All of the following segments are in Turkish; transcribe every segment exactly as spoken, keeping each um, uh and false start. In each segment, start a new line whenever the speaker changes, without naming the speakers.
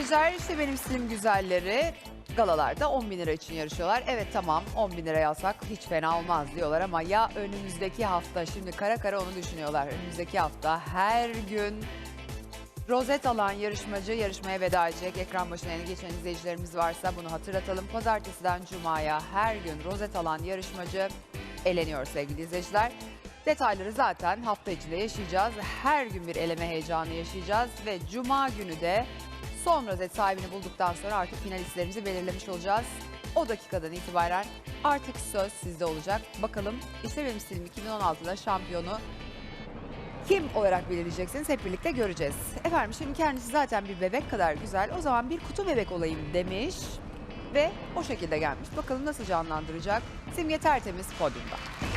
izleyiciler, işte benim stilim güzelleri galalarda on bin lira için yarışıyorlar. Evet tamam, on bin lira alsak hiç fena olmaz diyorlar ama ya önümüzdeki hafta, şimdi kara kara onu düşünüyorlar. Önümüzdeki hafta her gün rozet alan yarışmacı yarışmaya veda edecek. Ekran başına yeni geçen izleyicilerimiz varsa bunu hatırlatalım. Pazartesiden Cuma'ya her gün rozet alan yarışmacı eleniyor sevgili izleyiciler. Detayları zaten hafta içinde yaşayacağız. Her gün bir eleme heyecanı yaşayacağız ve Cuma günü de son rozet sahibini bulduktan sonra artık finalistlerimizi belirlemiş olacağız. O dakikadan itibaren artık söz sizde olacak. Bakalım işte benim stilim iki bin on altıda şampiyonu kim olarak belirleyeceksiniz, hep birlikte göreceğiz. Efendim şimdi kendisi zaten bir bebek kadar güzel. O zaman bir kutu bebek olayım demiş ve o şekilde gelmiş. Bakalım nasıl canlandıracak. Simge Tertemiz podyumda.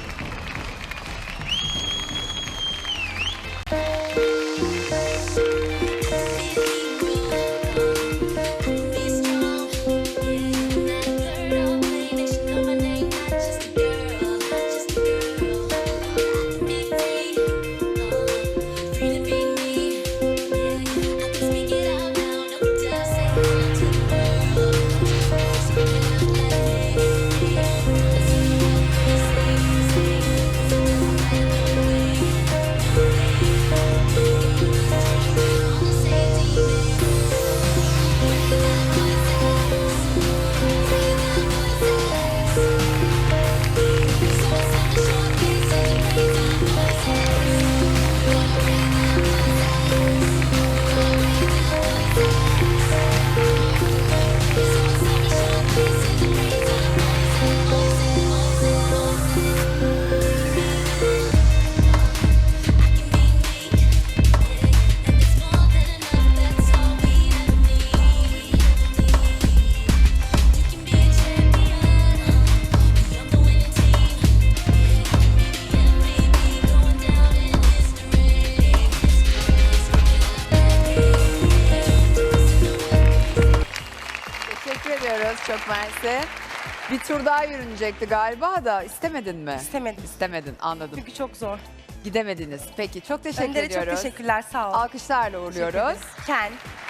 Çok mersi. Bir tur daha yürünecekti galiba da istemedin mi?
İstemedim.
İstemedin, anladım.
Çünkü çok zor.
Gidemediniz. Peki çok teşekkür
Önlere
ediyoruz.
çok teşekkürler, sağ ol.
Alkışlarla uğurluyoruz.
Ken.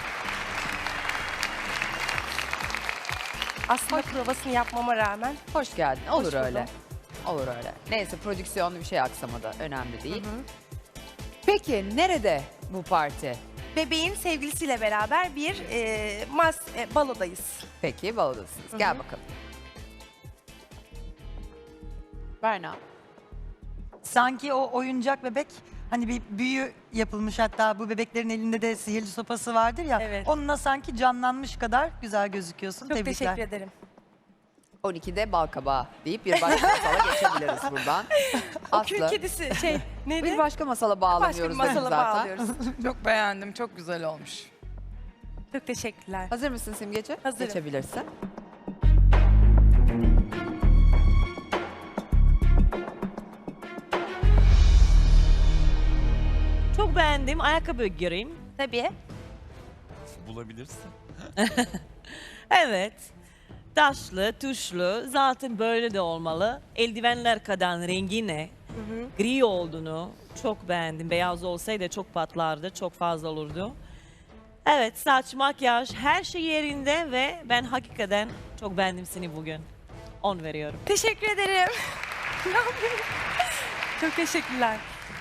Aslında provasını yapmama rağmen.
Hoş geldin. Olur
Hoş
öyle.
buldum.
Olur öyle. Neyse prodüksiyonlu bir şey aksamadı. Önemli değil.
Hı hı.
Peki nerede bu parti?
Bebeğin sevgilisiyle beraber bir e, mas e, balodayız.
Peki balodasınız.
Hı hı.
Gel bakalım. Berna.
Sanki o oyuncak bebek hani bir büyü yapılmış, hatta bu bebeklerin elinde de sihirli sopası vardır ya.
Evet.
Onunla sanki canlanmış kadar güzel gözüküyorsun.
Çok
Tebrikler.
teşekkür ederim.
on ikide balkabağı deyip bir başka masala geçebiliriz buradan.
O
Aslı.
kül kedisi şey neydi?
Bir başka masala
Başka bir
bağlamıyoruz dedim
masala
zaten.
bağlıyoruz.
Çok beğendim, çok güzel olmuş.
Çok teşekkürler.
Hazır mısın Simgeci?
Hazırım.
Geçebilirsin.
Çok beğendim. Ayakkabı göreyim.
Tabii.
Bulabilirsin.
Evet. Taşlı, tuşlu. Zaten böyle de olmalı. Eldivenler kadar rengi ne? Gri olduğunu çok beğendim. Beyaz olsaydı çok patlardı. Çok fazla olurdu. Evet, saç, makyaj, her şey yerinde ve ben hakikaten çok beğendim seni bugün. on veriyorum.
Teşekkür ederim. Çok teşekkürler.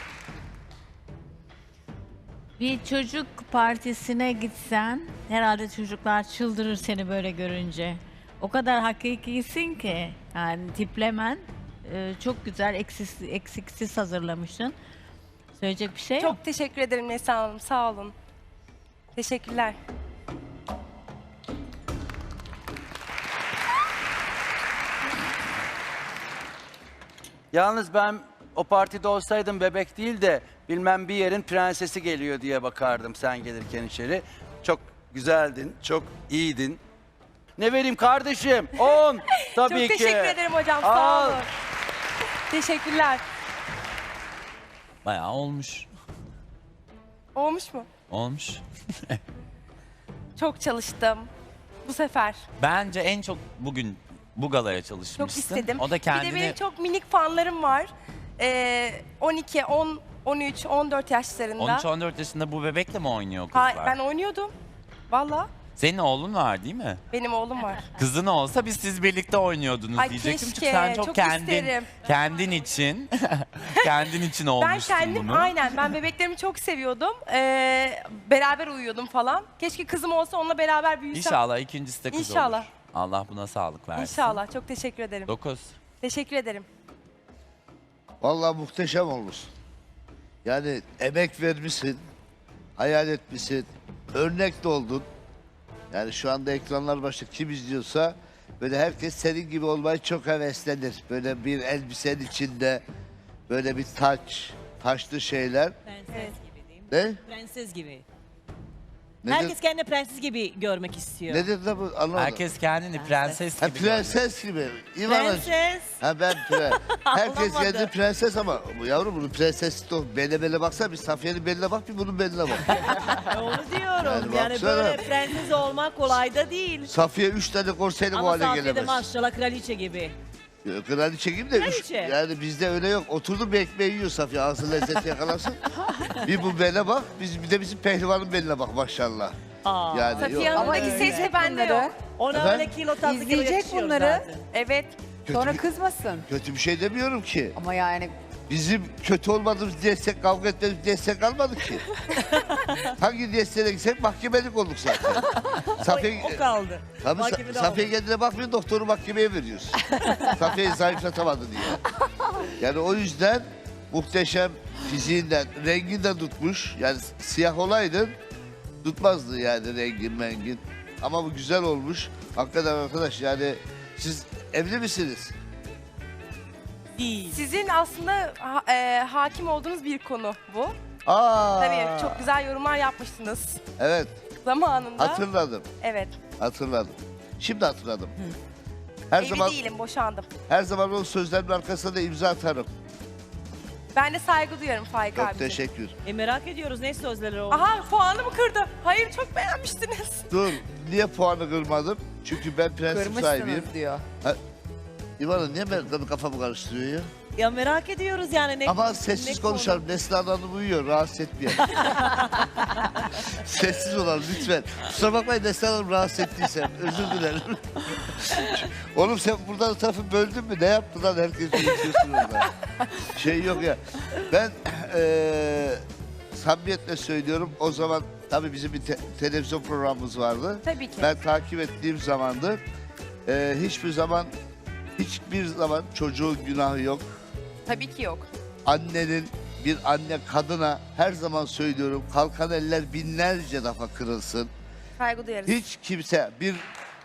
Bir çocuk partisine gitsen herhalde çocuklar çıldırır seni böyle görünce. O kadar hakikisin ki yani tiplemen e, çok güzel, eksiksiz, eksiksiz hazırlamışsın. Söyleyecek bir şey yok.
Çok teşekkür ederim Neslihan Hanım, sağ olun. Teşekkürler.
Yalnız ben o partide olsaydım bebek değil de bilmem bir yerin prensesi geliyor diye bakardım sen gelirken içeri. Çok güzeldin, çok iyiydin. Ne vereyim kardeşim? on tabii
Çok
ki.
teşekkür ederim hocam, sağ
Al.
olun. Teşekkürler.
Bayağı olmuş.
Olmuş mu?
Olmuş.
Çok çalıştım. Bu sefer.
Bence en çok bugün bu galaya çalışmışsın.
Çok istedim.
O da kendini...
Bir de benim çok minik fanlarım var. Ee, on iki, on, on üç, on dört yaşlarında.
on üç on dört yaşında bu bebekle mi oynuyor kızlar?
Ha, ben oynuyordum. Valla.
Senin oğlun var değil mi?
Benim oğlum var.
Kızın olsa biz siz birlikte oynuyordunuz
Ay
diyecektim.
keşke,
Çünkü sen çok,
çok
kendin
isterim.
kendin için kendin için
Ben
olmuştun
kendim
bunu.
aynen ben bebeklerimi çok seviyordum. Ee, beraber uyuyordum falan. Keşke kızım olsa onunla beraber büyüsem.
İnşallah ikincisi de kız
İnşallah.
olur. Allah buna sağlık versin.
İnşallah. Çok teşekkür ederim.
Dokuz.
Teşekkür ederim.
Vallahi muhteşem olmuşsun. Yani emek vermişsin, hayal etmişsin, örnek de oldun. Yani şu anda ekranlar başında kim izliyorsa böyle herkes senin gibi olmayı çok heveslenir. Böyle bir elbisenin içinde böyle bir taç, taşlı şeyler.
Prenses gibi değil mi?
Ne?
Prenses gibi.
Nedir,
Herkes kendini prenses gibi görmek istiyor.
nedir de bu anlamadım.
Herkes kendini prenses
Ha,
gibi görüyor.
prenses gibi. İvana.
Prenses.
Ha ben pre. Herkes
Olamadı.
kendi prenses ama bu yavrum bunun prensesi de o. Beline beline baksana bir Safiye'nin beline bak bir bunun beline bak.
Onu diyorum.
Yani
Yani,
baksana.
böyle prenses olmak kolay da değil.
Safiye üç tane korseyle bu
Ama
hale
Safiye de
gelemez.
maşallah kraliçe gibi.
Kraliçe gibi de üç,
Kraliçe.
yani bizde öyle yok. Oturdu bir ekmeği yiyor Safiye ağzı lezzeti yakalasın. Bir bu beline bak, biz, bir de bizim pehlivanın beline bak maşallah.
Aa.
Yani
Safiye
yok.
Ama
Hanım'daki ses
izleyecek
de bende
bunları.
yok.
Ona
Efendim?
öyle kilo tatlı kilo
İzleyecek
yakışıyor
bunları.
zaten.
Evet.
Kötü,
Sonra
bir,
kızmasın.
kötü bir şey demiyorum ki.
Ama yani
Bizim kötü olmadığımız diyetsek, kavga etmediğimiz diyetsek kalmadı ki. Hangi diyetsene gitsek mahkemelik olduk zaten. Safiye,
O kaldı.
tabii
Mahkemede
Sa- Safiye
olmadı.
kendine bakmıyor, doktoru mahkemeye veriyoruz. Safiye'yi zayıflatamadı diye. Yani o yüzden muhteşem fiziğinden, renginden tutmuş. Yani siyah olaydın tutmazdı yani rengin mengin. Ama bu güzel olmuş. Hakikaten arkadaş yani siz evli misiniz?
Değil.
Sizin aslında ha- e, hakim olduğunuz bir konu bu.
Aa,
Tabii çok güzel yorumlar yapmıştınız
Evet,
zamanında.
hatırladım,
Evet.
hatırladım. Şimdi hatırladım. Her
Evli
zaman
değilim, boşandım.
her zaman o sözlerin arkasına da imza atarım.
Ben de saygı duyarım Faik
Çok
abi.
teşekkür.
E merak ediyoruz ne sözleri oldu.
Aha puanımı kırdı. Hayır çok beğenmiştiniz.
Dur, niye puanı kırmadım? Çünkü ben prensip sahibiyim.
kırmışsınız diyor.
İvana niye ben kafamı karıştırıyor ya?
Ya merak ediyoruz yani ne
Ama
ne
sessiz
konu?
konuşalım. Neslihan Hanım uyuyor, rahatsız etmeyelim. Sessiz olalım lütfen. Kusura bakmayın Neslihan Hanım rahatsız ettiysem. Özür dilerim. Oğlum sen buradan tarafı böldün mü? Ne yaptın lan herkes konuşuyorsun orada? Şey yok ya. Ben eee samimiyetle söylüyorum. O zaman tabii bizim bir te- televizyon programımız vardı.
Tabii ki.
Ben takip ettiğim zamandı. Eee hiçbir zaman hiçbir zaman çocuğun günahı yok.
Tabii ki yok.
Annenin bir anne kadına her zaman söylüyorum kalkan eller binlerce defa kırılsın.
Saygı duyarız.
Hiç kimse bir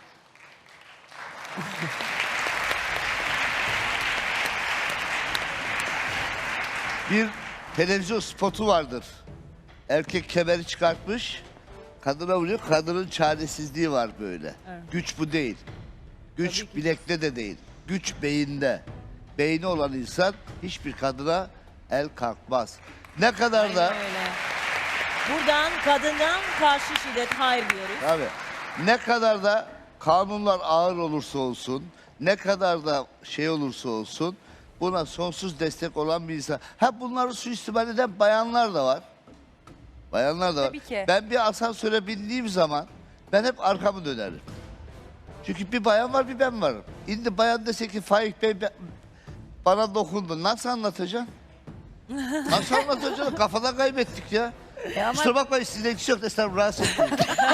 bir televizyon spotu vardır. Erkek kemeri çıkartmış, kadına vuruyor. Kadının çaresizliği var böyle. Güç bu değil. Güç bilekte de değil. Güç beyinde. Beyni olan insan hiçbir kadına el kalkmaz. Ne kadar da
Aynen öyle. Buradan kadından karşı şiddet hayır diyoruz.
abi ne kadar da kanunlar ağır olursa olsun, ne kadar da şey olursa olsun buna sonsuz destek olan bir insan. Ha bunları suistimal eden bayanlar da var. Bayanlar da var.
Tabii ki.
Ben bir asansöre bindiğim zaman ben hep arkamı dönerim. Çünkü bir bayan var bir ben varım. Şimdi bayan dese ki Faik Bey be- bana dokundu. Nasıl anlatacaksın? Nasıl anlatacaksın? Kafadan kaybettik ya. Kusura bakmayın sizle ilgisi yok. Estağfurullah rahatsız etmeyin.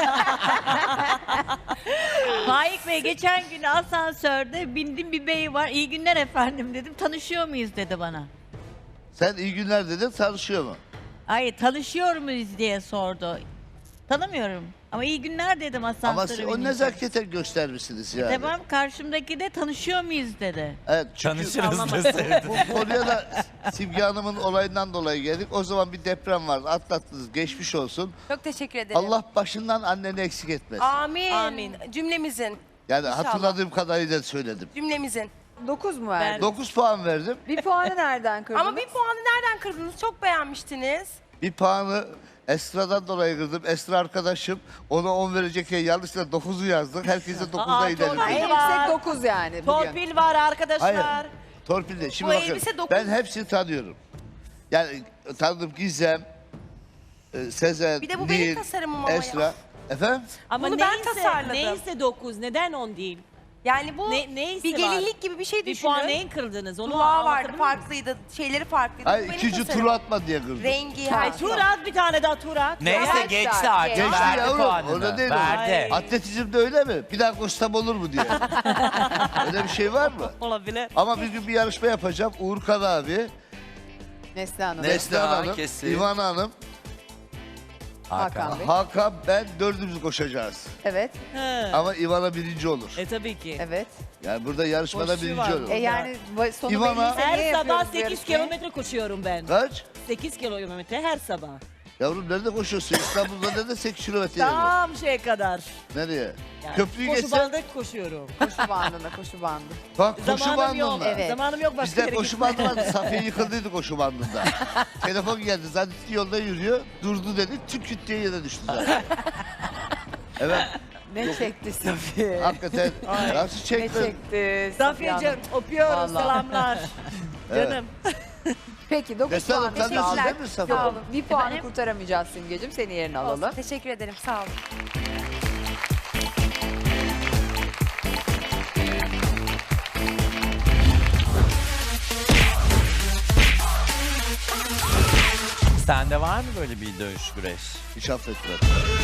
Faik Bey geçen gün asansörde bindim bir bey var. İyi günler efendim dedim. Tanışıyor muyuz dedi bana.
Sen iyi günler dedin tanışıyor mu?
Ay tanışıyor muyuz diye sordu. Tanımıyorum. Ama iyi günler dedim asansöre
Ama siz o
binince.
nezaketen göstermişsiniz yani.
Tamam karşımdaki de tanışıyor muyuz dedi.
Evet, çünkü
Tanışırız deseydin.
bu konuya da Simge Hanım'ın olayından dolayı geldik. O zaman bir deprem vardı. Atlattınız. Geçmiş olsun.
Çok teşekkür ederim.
Allah başından anneni eksik etmesin.
Amin.
Amin.
Cümlemizin.
Yani
İnşallah.
hatırladığım kadarıyla söyledim.
Cümlemizin.
dokuz mu verdin?
dokuz puan verdim.
Bir puanı nereden kırdınız?
Ama bir puanı nereden kırdınız? Çok beğenmiştiniz.
Bir puanı Esra'dan dolayı kırdım. Esra arkadaşım ona on verecekken yanlışlıkla dokuzu yazdık. Herkese dokuzda
Aa,
inelim.
torpil
En
var.
yüksek dokuz yani bugün.
Torpil var arkadaşlar.
Hayır. Torpil de. Şimdi
Bu
bakın.
elbise dokuz.
Ben hepsini tanıyorum. Yani tanıdım Gizem, e, Sezen,
Bir de bu benim
Nil,
tasarımım ama ya.
Esra. Efendim?
Ama
Bunu ben
neyse,
tasarladım.
neyse dokuz, neden on değil?
Yani bu
Ne, neyse
bir
var.
gelinlik gibi bir şey
Bir
düşünün.
puan neyin kırdınız? Onu
Kulağı vardı,
anlatabilir miyim?
farklıydı, şeyleri farklıydı.
Hayır
Bu benim
ikinci
tasarımım.
turu atma diye kırdım.
Rengi,
Ha,
her
Tur
şey.
at bir tane daha tur at.
Neyse
Arkadaşlar,
geçti artık.
geçti
Verdi
yavrum,
puanını.
orada değil o.
Verdi.
Atletizmde öyle mi? Bir daha koşsam olur mu diye. Öyle bir şey var mı?
Olabilir.
Ama bir gün bir yarışma yapacağım. Uğurkan abi,
Neslihan Hanım,
Ne-
Neslihan
Neslihan,
Hanım,
kesin.
İvan Hanım,
Hakan Bey.
Hakan, ben dördümüz koşacağız.
Evet,
He.
Ama İvan'a birinci olur.
E tabii ki.
evet.
Yani burada yarışmada
Koşu
birinci
var.
olur.
E yani bu- sonu
İvana-
belliyse niye
Her sabah
yapıyoruz bu
sekiz
yarışmayı?
kilometre koşuyorum ben.
Kaç?
sekiz kilometre her sabah.
Yavrum nerede koşuyorsun? İstanbul'da nerede sekiz kilometre yer var?
Tam şeye kadar.
Nereye?
Yani
Köprüyü
koşu
geçsen.
bandı koşuyorum.
Koşu bandında, koşu bandı.
Bak koşu
Zamanım yok.
bandında.
Evet.
Zamanım yok başka
Bizde
yere
koşu
gitmeye.
bandı vardı. Safiye yıkıldıydı koşu bandında. Telefon geldi. Zannetti yolda yürüyor. Durdu dedi. Tüm küt diye yere düştü zaten. Evet.
Ne çekti Safiye?
Hakikaten nasıl
Ne
çekti?
çekti Safiye Hanım?
Safiyeciğim öpüyoruz
Vallahi.
selamlar.
Evet.
Canım.
Peki dokuz
Neslihan
puan.
Hanım, sen de aldın
Teşekkürler.
değil mi Safiye?
Sağ olun. Bir puanı
Efendim?
kurtaramayacağız Simgeciğim. Seni yerine alalım.
Olsun, teşekkür ederim, sağ olun.
Sende var mı böyle bir dövüş güreş?
Hiç affetmem.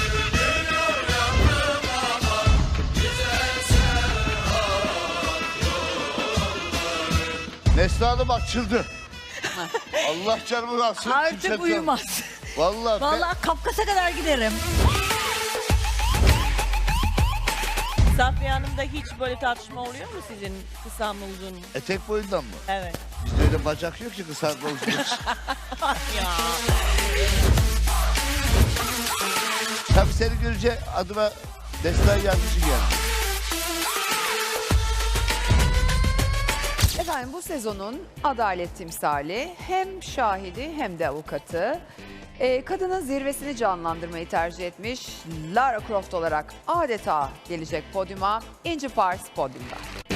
Neslihan Hanım açıldı. Allah canımı alsın.
Artık
kimse-
uyumaz.
Vallahi, ben-
Vallahi Kafkas'a kadar giderim.
Safiye Hanım'da hiç böyle tartışma oluyor mu sizin kısa mı uzun?
etek boyundan mı?
Evet.
Bizde öyle bacak yok ki kısa olsun.
Ya.
Tabii seni görünce adıma Neslihan Yazıcı geldi.
Efendim bu sezonun adalet timsali hem şahidi hem de avukatı. Ee, kadının zirvesini canlandırmayı tercih etmiş Lara Croft olarak adeta gelecek podyuma. İnci Pars podyumda.